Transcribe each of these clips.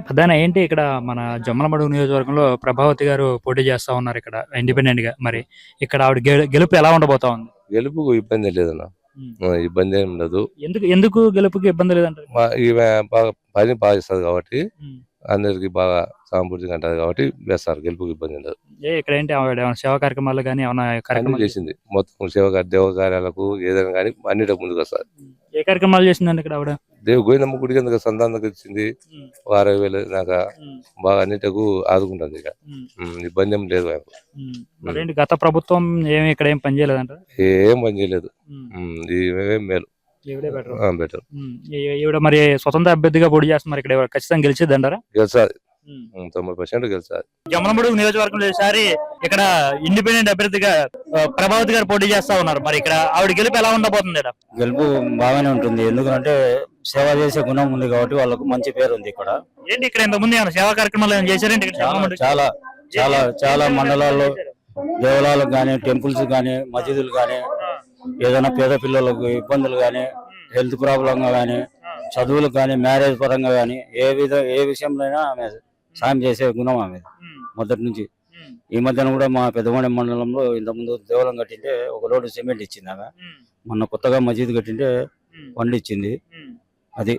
ప్రధాన ఏంటి ఇక్కడ మన జమ్మలమడుగు నియోజకవర్గంలో ప్రభావతి గారు పోటీ చేస్తా ఉన్నారు ఇక్కడ ఇండిపెండెంట్ గా. మరి ఇక్కడ ఆవిడ గెలుపు ఎలా ఉండబోతా ఉంది? గెలుపుకు ఇబ్బంది లేదన్న. ఉమ్. ఇబ్బంది ఏం లేదు. ఎందుకు ఎందుకు గెలుపుకి ఇబ్బంది లేదంటారు? ఈమె బాగా పని బాగా ఇస్తుంది కాబట్టి ఉమ్. అందరికి బాగా సాంపూర్తిగా అంటది కాబట్టి వేస్తారు. గెలుపుకి ఇబ్బంది లేదు. ఇక్కడ ఏంటి ఆవిడ ఏమైనా సేవా కార్యక్రమాలు కానీ ఏమైనా అన్ని కార్యక్రమాలు చేసింది మొత్తం దేవ కార్యాలకు ఏదైనా కానీ అన్నిటికి ముందుకు వస్తారు. ఏ కార్యక్రమాలు చేసిందండి ఇక్కడ ఆవిడ? గోవిందమ్మ గుడికి ఎందుకు సంతానం ఇచ్చింది. ఉమ్. 60,000 దాకా ఉమ్. బాగా అన్నిటకు ఆదుకుంటుంది. ఇక ఇబ్బంది ఏం లేదు. మరేంటి గత ప్రభుత్వం ఏమి ఇక్కడ ఏం పని చేయలేదంట? ఏం పని చేయలేదు. ఇవే మేలు బెటర్. ఈవిడ మరి స్వతంత్ర అభ్యర్థిగా పోటీ చేస్తున్నారు ఇక్కడ ఖచ్చితంగా గెలిచిద్ది అంటారా? గెలిచాది. 90% గెలిచాది. జమ్మలమడుగు నియోజకవర్గంలో ఈసారి ఇక్కడ ఇండిపెండెంట్ అభ్యర్థిగా ప్రభావతి గారు పోటీ చేస్తా ఉన్నారు. మరి ఇక్కడ ఆవిడ గెలుపు ఎలా ఉండబోతుంది? గెలుపు బాగానే ఉంటుంది. ఎందుకంటే సేవ చేసే గుణం ఉంది కాబట్టి వాళ్ళకు మంచి పేరు ఉంది. ఇక్కడ ఏంటి ఇక్కడ ఇంతకుముందు ఏమైనా సేవా కార్యక్రమాలు ఏమైనా చేశారంటే చాలా చాలా చాలా మండలాల్లో దేవాలయాలకు కానీ టెంపుల్స్ కానీ మసీదులు కానీ ఏదైనా పేద పిల్లలకు ఇబ్బందులు కానీ హెల్త్ ప్రాబ్లం కానీ చదువులకు కానీ మ్యారేజ్ పరంగా కానీ ఏ విషయంలో ఆమె సాయం చేసే గుణం ఆమె మొదటి నుంచి. ఈ మధ్యన కూడా మా పెద్దగొండ మండలంలో ఇంతకుముందు దేవాలయం కట్టింటే ఒక లోడు సిమెంట్ ఇచ్చింది ఆమె. మొన్న కొత్తగా మసీదు కట్టింటే పండు ఇచ్చింది. అది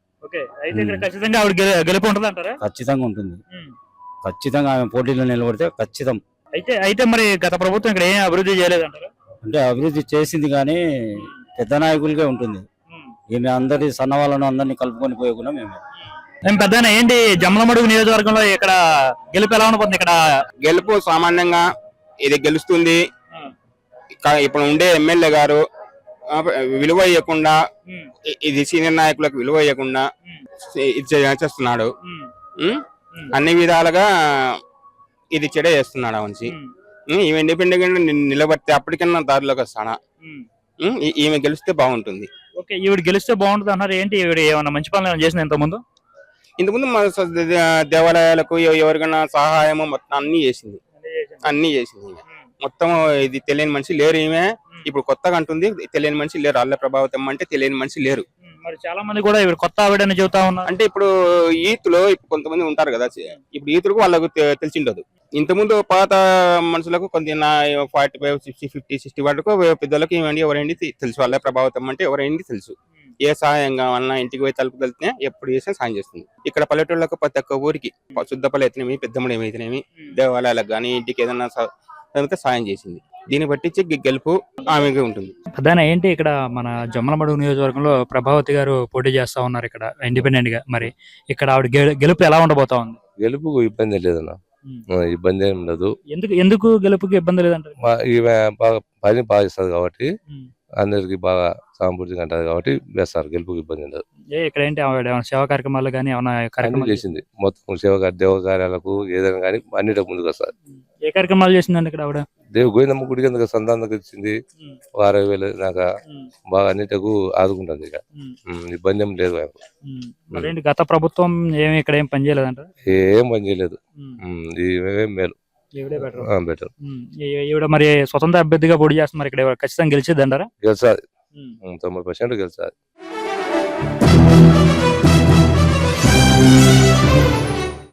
ఖచ్చితంగా ఉంటుంది. ఖచ్చితంగా ఆమె పోటీలో నిలబడితే ఖచ్చితం. అయితే మరి గత ప్రభుత్వం ఇక్కడ ఏం అభివృద్ధి చేయలేదంటారు? అంటే అభివృద్ధి చేసింది కానీ పెద్ద నాయకులకే ఉంటుంది. ఈమె అందరి సన్న వాళ్ళను అందరినీ కలుపుకొని పోయే గుణం ఏమే. పెద్ద ఏంటి జమ్మలమడుగు నియోజకవర్గంలో ఇక్కడ గెలుపు ఎలా ఉండబోతుంది? ఇక్కడ గెలుపు సామాన్యంగా ఇది గెలుస్తుంది. ఇప్పుడు ఉండే ఎమ్మెల్యే గారు విలువ ఇవ్వకుండా, ఇది సీనియర్ నాయకులకు విలువ ఇవ్వకుండా ఇది చేస్తున్నాడు. అన్ని విధాలుగా ఇది చెడ చేస్తున్నాడు అవన్నీ. ఈమె ఇండిపెండెంట్ నిలబడితే అప్పటికన్నా దారిలోకి వస్తాడా. ఈమె గెలిస్తే బాగుంటుంది. ఈవిడ గెలిస్తే బాగుంటుంది అన్నారు. ఏంటి ఈవిడ ఏమన్నా మంచి పనులు చేసింది ఇంతకుముందు? ఇంతకుముందు మన దేవాలయాలకు ఎవరికైనా సహాయము మొత్తం అన్ని చేసింది. మొత్తం ఇది తెలియని మనిషి లేరు. ఈమె ఇప్పుడు కొత్తగా అంటుంది తెలియని మనిషి లేరు. అల్ల ప్రభావితం అంటే తెలియని మనిషి లేరు. మరి చాలా మంది కూడా ఇవి కొత్త ఆవిడని చెబుతా ఉన్నారు. అంటే ఇప్పుడు ఈతులో కొంతమంది ఉంటారు కదా, ఇప్పుడు ఈతులకు వాళ్ళకు తెలిసిండదు. ఇంతకుముందు పాత మనుషులకు కొంత 45, 60, 50, 60 వరకు పెద్దలకు ఏమండి ఎవరైంది తెలుసు. వాళ్ళ ప్రభావితం అంటే ఎవరైంది తెలుసు. ఏ సహాయం కావాలన్నా ఇంటికి పోయి తలుపు కలిపితే ఎప్పుడు చేసినా సాయం చేస్తుంది. ఇక్కడ పల్లెటూళ్ళకు ప్రతి ఒక్క ఊరికి శుద్ధపల్లి అయితేనేమి పెద్దమ్మడు ఏమైతేనేమి దేవాలయాలకు కానీ ఇంటికి ఏదన్నా సాయం చేసింది. దీన్ని బట్టి గెలుపు ఆమెగా ఉంటుంది. ప్రధాన ఏంటి ఇక్కడ మన జమ్మలమడుగు నియోజకవర్గంలో ప్రభావతి గారు పోటీ చేస్తా ఉన్నారు ఇక్కడ ఇండిపెండెంట్ గా. మరి ఇక్కడ ఆవిడ గెలుపు ఎలా ఉండబోతా ఉంది? గెలుపుకు ఇబ్బంది లేదన్న. ఇబ్బంది ఏం లేదు. ఎందుకు గెలుపుకి ఇబ్బంది లేదంటారు? ఈమె బాగా పని బాగా ఇస్తుంది కాబట్టి అందరికి బాగా సాంపూర్తిగా అంటది కాబట్టి వేస్తారు. గెలుపుకి ఇబ్బంది లేదు. ఇక్కడ ఏంటి ఆవిడ ఏమైనా సేవా కార్యక్రమాలు కానీ ఏమైనా కార్యక్రమాలు చేసింది మొత్తం దేవ కార్యాలకు ఏదైనా కానీ అన్నిటికి ముందుకు వస్తారు. ఏ కార్యక్రమాలు చేసిందండి ఇక్కడ ఆవిడ? గోవిందమ్మ గుడికి ఎందుకు సంతానం ఇచ్చింది. 60,000 దాకా బాగా అన్నిటకు ఆదుకుంటుంది. ఇక ఇబ్బంది ఏం లేదు. మరేంటి గత ప్రభుత్వం ఏమి ఇక్కడ ఏం పని చేయలేదంటారు? ఏం పని చేయలేదు. ఇవే మేలు బెటర్. ఈవిడ మరి స్వతంత్ర అభ్యర్థిగా పోటీ చేస్తున్నారు ఇక్కడ ఖచ్చితంగా గెలిచిద్ది అంటారా? గెలిచాది. 90% గెలిచాది.